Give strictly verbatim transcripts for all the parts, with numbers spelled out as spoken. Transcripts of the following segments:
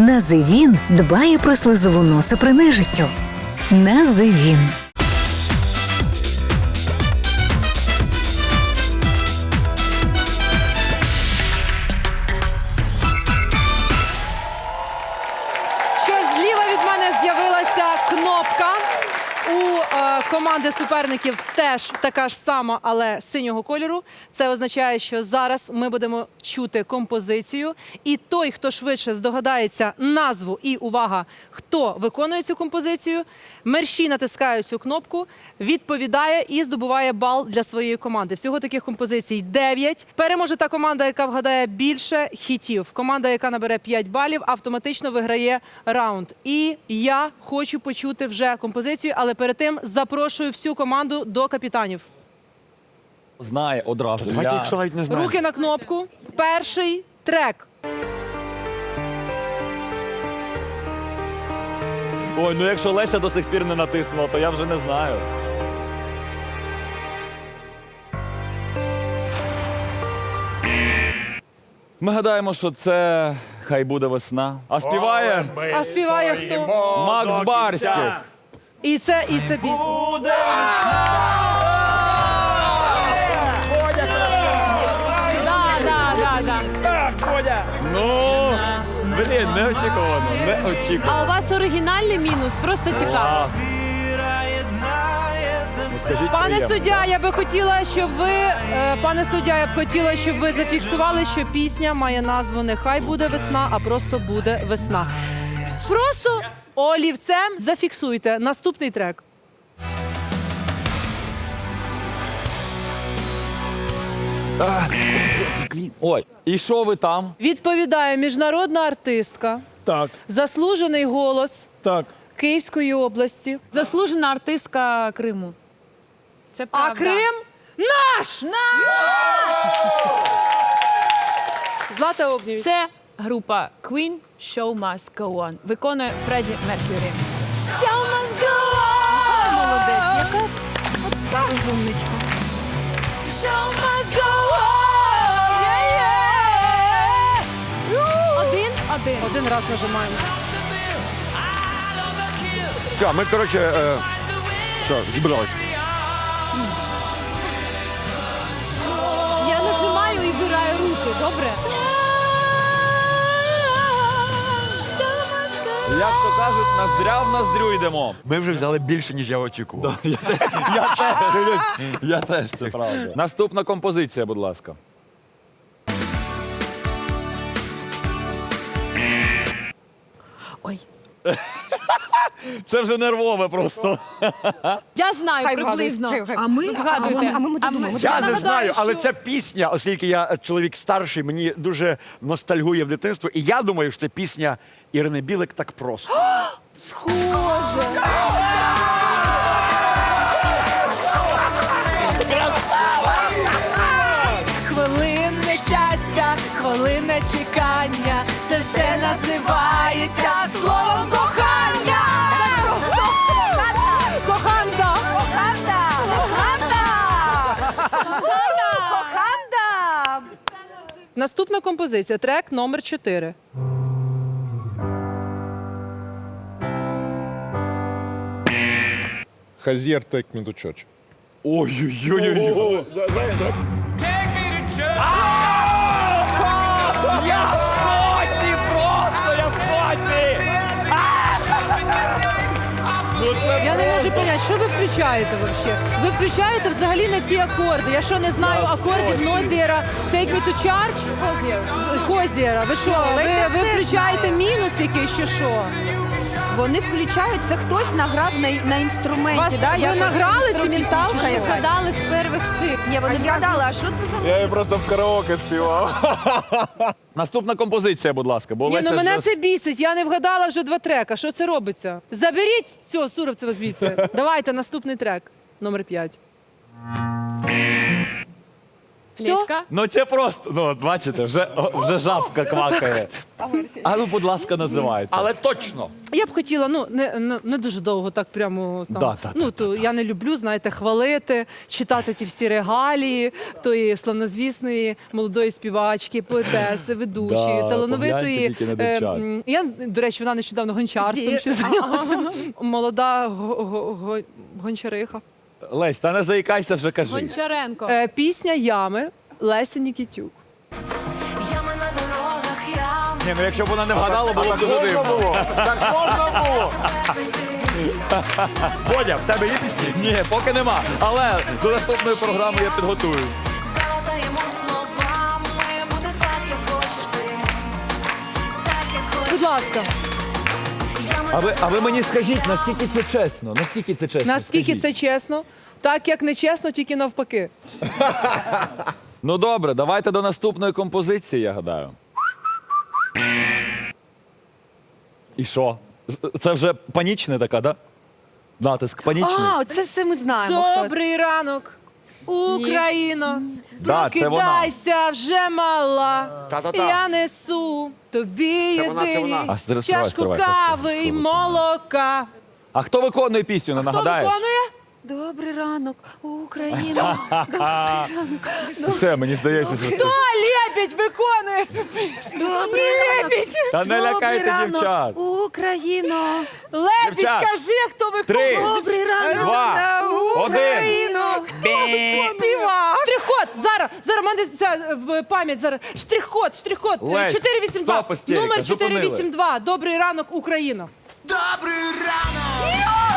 Називін дбає про слизову носа при нежиттю. Називін. Що ж, зліва від мене з'явилася кнопка. У е, команди суперників теж така ж сама, але синього кольору. Це означає, що зараз ми будемо чути композицію. І той, хто швидше здогадається назву і, увага, хто виконує цю композицію, мерщій натискає цю кнопку, відповідає і здобуває бал для своєї команди. Всього таких композицій дев'ять. Переможе та команда, яка вгадає більше хітів. Команда, яка набере п'ять балів, автоматично виграє раунд. І я хочу почути вже композицію, але перед тим запрошую всю команду до капітанів. Знає одразу. Давайте, якщо навіть не знаємо. Руки на кнопку. Перший трек. Ой, ну якщо Леся до сих пір не натиснула, то я вже не знаю. Ми гадаємо, що це «Хай буде весна». А співає А співає хто? Макс Барський. І це, і це пісня. Да, да, да, да. Ну, блін, неочікувано, неочікувано. А у вас оригінальний мінус? Просто цікаво. Ну, скажіть, Пане приємно. суддя, я би хотіла, щоб ви, е, пане суддя, я б хотіла, щоб ви зафіксували, що пісня має назву не «Хай буде весна», а просто «Буде весна». Просто олівцем зафіксуйте. Наступний трек. Ой, і що ви там? Відповідає міжнародна артистка, Так, заслужений голос так. Київської області. Заслужена артистка Криму. Це А правда. Крим наш! Злата Огнєвіч. Це група Queen Show Must Go On. Виконує Фредді Меркюрі. Show must go on! Молодець, яка от розумничка. Show must go on! Один, один. Один раз нажимаємо. Все, ми, коротше, е, все, зібрались. Я нажимаю і вбираю руки, добре? Як то кажуть, ноздря в ноздрю йдемо. Ми вже взяли більше, ніж я очікував. Я теж, я теж, це правда. Наступна композиція, будь ласка. Ой. Це вже нервове просто. Я знаю приблизно. А ми вгадуйте. а ми- а ми- Я не нагадаю, знаю, але що- ця пісня, оскільки я е, чоловік старший, мені дуже ностальгує в дитинство. І я думаю, що це пісня Ірини Білик «Так просто». Хвилинне щастя, хвилинне чекання. Це все називається словом кохання. Коханда! Коханда! Коханда! Коханда! Наступна композиція, трек номер чотири. Хазєр take me to church. Ой-ой-ой. Я в шоці просто, я в шоці! Я не можу поняти, що ви включаєте взагалі? Ви включаєте взагалі на ті акорди. Я що, не знаю акордів Нозієра, Take Me to Church? Хозієра. Ви що, ви, ви включаєте мінус якийсь чи що? Вони включають, це хтось награв на, на інструменті. Вас- да? ви Якось награли ці інструменталка пісні чи що? якась. Вгадали з перших цих. Ні, вони вгадали, а що це за... Я її просто в караоке співав. Наступна композиція, будь ласка. Бо Ні, Леся ну мене вже- це бісить, я не вгадала вже два трека. Що це робиться? Заберіть цього Суровцева звідси. Давайте наступний трек, номер п'ять. Флеська. Ну це просто, ну от бачите, вже, вже жабка квакає. А ну, будь ласка, називайте. Але точно. Я б хотіла, ну не, не, не дуже довго, так прямо там. Да, та, ну то я не люблю, знаєте, хвалити, читати ті всі регалії тої славнозвісної молодої співачки, поетеси, ведучої, Да, талановитої. погляньте тільки на дівчат. м, я, до речі, вона нещодавно гончарством Зі- ще зайнялася. Молода го- го- го- гончариха. Лесь, та не заїкайся, вже кажи. Гончаренко. Е, пісня Ями Леся Нікітюк. Ні, ну якщо б вона не вгадала, було б дуже Можна дивно. було? Так можна було? Бодя, в тебе є пісні? Ні, поки нема. Але до наступної програми я підготую. Заладаємо словами, буде так, як хочеш ти, так, як хочеш. Будь ласка, А ви, а ви мені скажіть, наскільки це чесно? Наскільки це чесно? наскільки Скажіть. це чесно? Так як не чесно, тільки навпаки. Ну добре, давайте до наступної композиції, я гадаю. І що? З- Це вже панічне така, да? Натиск панічний. А, це все ми знаємо. хто. Добрий ранок, Україно. Да, це вона. Прокидайся вже мала. Та-та-та. Я несу тобі Це вона, це єдині вона. А, стривай, чашку стривай, кави стривай. й молока. А хто виконує пісню, не Хто нагадаєш? виконує? Добрий ранок, Україна. Все, мені здається, що це... Хто Лебідь виконує цю пісню? Добрий ранок. Лебідь! Та не Добрий лякайте ранок, дівчат. Україно. Лебідь, Дівчат. кажи, хто Три, виконує. Добрий ранок, два, один. Україно. Співак. Штрих-код! Зараз, зараз, в мене ця е, в- пам'ять зараз. Штрих-код, штрих-код. е, Лесь, чотири вісім два. стоп, істерика, Номер зупинили. чотири вісім два. Добрий ранок, Україна. Добрий ранок,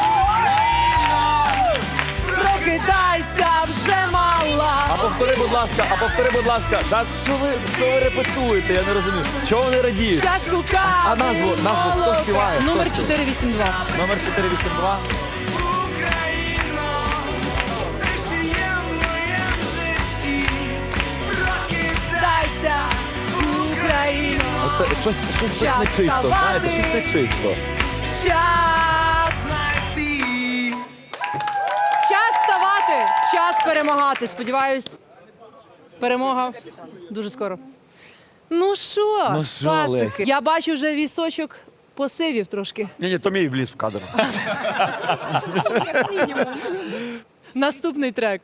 Прокидайся вже мала. А повтори, будь ласка, а повтори, будь ласка. Та що ви, що ви репетуєте, я не розумію. Чого вони радіють? Чашку кави. А назву, назву хто молока. співає? Хто Номер співає? чотири вісім два. Номер чотири вісім два. Україно, все, що є в моєму житті, прокидайся, Україно. Оце щось, щось тут Час нечисто, знаєте, вставати. щось нечисто. Час. знайти. Час вставати. Час перемагати. Сподіваюсь, перемога дуже скоро. Ну що, Ну що, пасики, Лесь? я бачу вже вісочок посивів трошки. Ні, ні, то мій вліз в кадр. Наступний трек.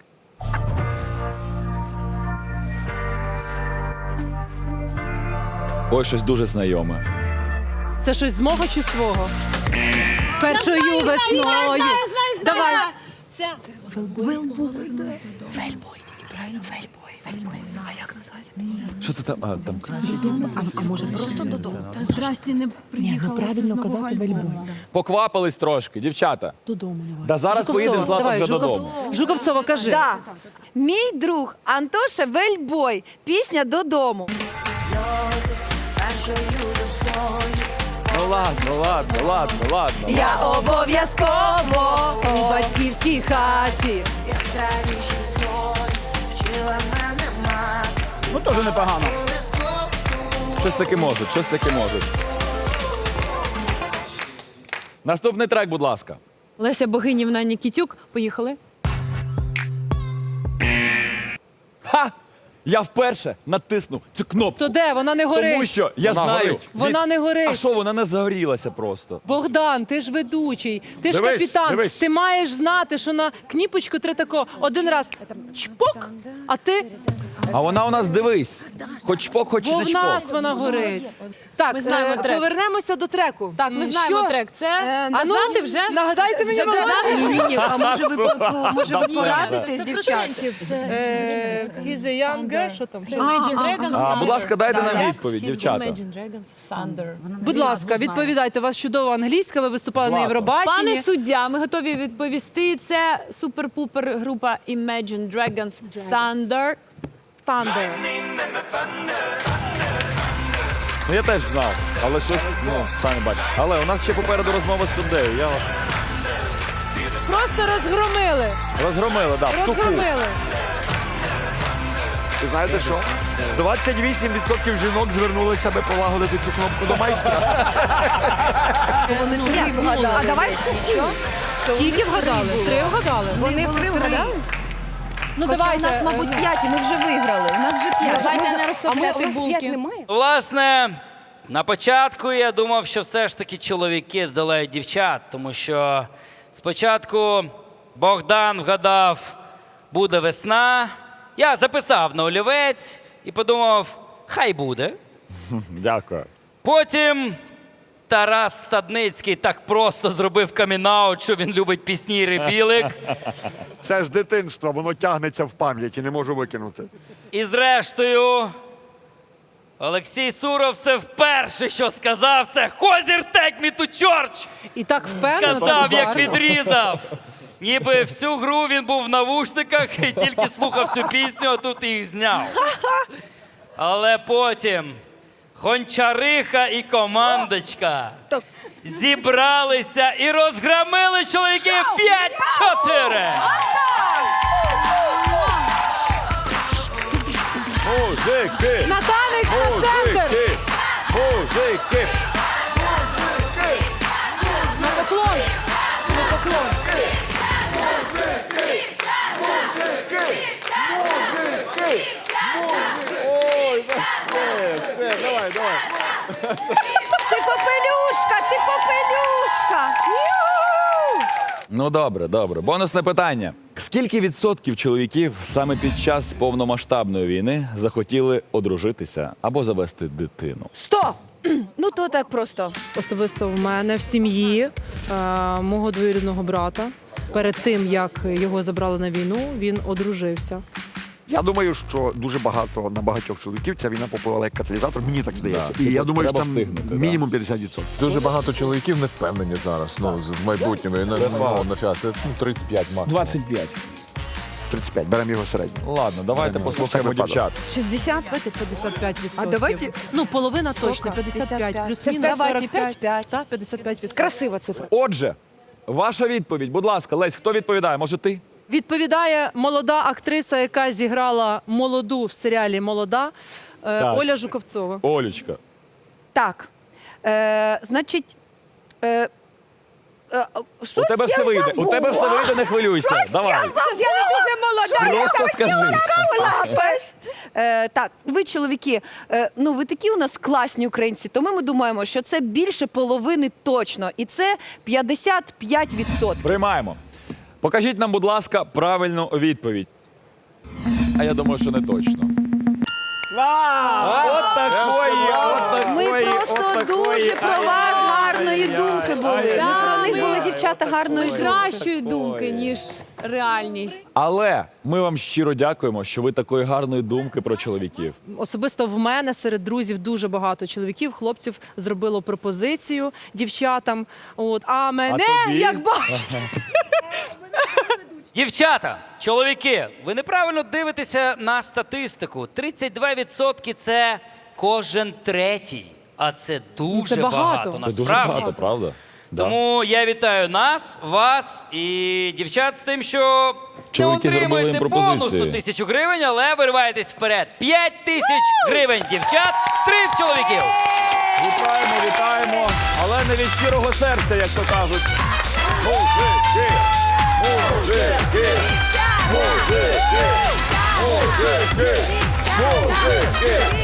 Ой, щось дуже знайоме. Це щось з мого чи з твого? Першою весною. знаю, знаю, Давай. знаю. Це Що це там? А, там та здрасті не приїхала. Правильно казати вельбу. поквапились трошки, дівчата. Додому давай. Да зараз поїдемо Злата давай, вже Жуковцова. додому. Жуковцова, кажи. Да. Мій друг Антоша Вельбой. Пісня «Додому». Ну ладно, ладно, ладно, ладно. Я обов'язково У батьківській хаті. Яскравіші зорі, вчила мене мати. Ну теж непогано. Щось таки можуть, щось таки можуть. Наступний трек, будь ласка. Леся Богинівна Нікітюк. Поїхали. Ха! Я вперше натиснув цю кнопку. То де? Вона не горить. Тому що я Вона знаю. горить. Вона не горить. А що, вона не загорілася просто. Богдан, ти ж ведучий, ти ж Дивись, капітан. дивись. Ти маєш знати, що на кніпочку треба тако один раз чпок, а ти А вона у нас, дивись, хоч чпок, хоч бо не в чпок. нас вона горить. Так, Ми знаємо е, трек. повернемося до треку. Так, ми М, знаємо що? трек. Це А ну, назад вже? Нагадайте мені, Вже будь ласка. назад? Ні, ні, а може ви, по- може ви порадитесь, Сто дівчата? процентів. Це Е, He's a young girl, що там? Imagine Dragons. А, будь ласка, дайте нам Так. відповідь, Всі дівчата. Imagine Dragons, Thunder. Будь ласка, відповідайте. У вас чудова англійська, ви виступали на Злата. Євробаченні. Пане суддя, ми готові відповісти. Це супер-пупер група Imagine Dragons Thunder. Thunder. Ну я теж знав, але щось, ну, самі бачите. Але у нас ще попереду розмова з суддею. Я вас Просто розгромили. розгромили, да, в суху. Розгромили. Ви знаєте що? двадцять вісім відсотків жінок звернулися, аби полагодити цю кнопку до майстра. Вони три вгадали. А давай все. Що? Скільки вгадали? Три вгадали. Вони три вгадали? Ну Хоча давайте. у нас, мабуть, е, п'ять, і ми вже виграли. У нас вже п'ять. Давайте не розставляти булки. Власне, на початку я думав, що все ж таки чоловіки здолають дівчат, тому що спочатку Богдан вгадав, буде весна. Я записав на олівець і подумав, хай буде. Дякую. Потім Тарас Стадницький так просто зробив камінаут, що він любить пісні Іри Білик. Це з дитинства, воно тягнеться в пам'яті, не можу викинути. І зрештою, Олексій Суров це вперше, що сказав, це «Хозір, take me to church!» І так впевнено. Сказав, так як гарно. відрізав. Ніби всю гру він був в навушниках і тільки слухав цю пісню, а тут їх зняв. Але потім Гончариха і командочка зібралися і розгромили чоловіків п'ять-чотири. Мужики! На танець на центр! Мужики! Мужики! На поклон! На поклон! Все, все, давай, давай. Ти попелюшка, ти попелюшка! Ю-ху! Ну добре, добре. Бонусне питання. Скільки відсотків чоловіків саме під час повномасштабної війни захотіли одружитися або завести дитину? Сто! Ну то так просто. Особисто в мене в сім'ї е, мого двоюрідного брата. Перед тим, як його забрали на війну, він одружився. Я думаю, що дуже багато на багатьох чоловіків ця війна попливала як каталізатор, мені так здається. І я думаю, що треба там встигнути, да. мінімум п'ятдесят відсотків. Дуже багато чоловіків не впевнені зараз, ну, в майбутньому. І на, ну, на час. Це ну, тридцять п'ять максимум. двадцять п'ять. тридцять п'ять, беремо його середній. Ладно, давайте Беремо. послухаємо Це випадок. дівчат. шістдесят? Давайте п'ятдесят п'ять відсотків. А давайте- Ну, половина точно, п'ятдесят п'ять. Плюс-мінус Давайте сорок п'ять. п'ять п'ять. Так, п'ятдесят п'ять відсотків. Красива цифра. Отже, ваша відповідь, будь ласка, Лесь, хто відповідає? Може ти? Відповідає молода актриса, яка зіграла молоду в серіалі «Молода» е, Так. Оля Жуковцова. Олечка. Так. Е, значить. Е, е, У щось тебе я все вийде. У забула. тебе все вийде, не хвилюйся. Давай. Я не дуже молода. Просто скажи. Лапес. Е, так, ви, чоловіки, е, ну ви такі у нас класні українці, тому ми думаємо, що це більше половини точно. І це п'ятдесят п'ять відсотків. Приймаємо. Покажіть нам, будь ласка, правильну відповідь. А я думаю, що не точно. От такої, от Ми такої, просто от такої. дуже про вас гарної Ай-яй-яй, думки були. Ми ай-яй-яй. про них були дівчата гарної думки. Кращої думки, ніж реальність. Але ми вам щиро дякуємо, що ви такої гарної думки про чоловіків. Особисто в мене серед друзів дуже багато чоловіків, хлопців зробило пропозицію дівчатам. От, а мене, тобі? як бачите, Дівчата, чоловіки, ви неправильно дивитеся на статистику. тридцять два відсотки – це кожен третій. А це дуже це багато. багато, Це насправді. дуже багато, правда? Да. Тому я вітаю нас, вас і дівчат з тим, що Чоловіки не зробили отримуєте їм пропозиції. бонусну тисячу гривень, але вириваєтесь вперед. П'ять тисяч гривень дівчат, три в чоловіків. Вітаємо, вітаємо, але не від щирого серця, як то кажуть. Мужики! Мужики! Мужики! Мужики! Мужики!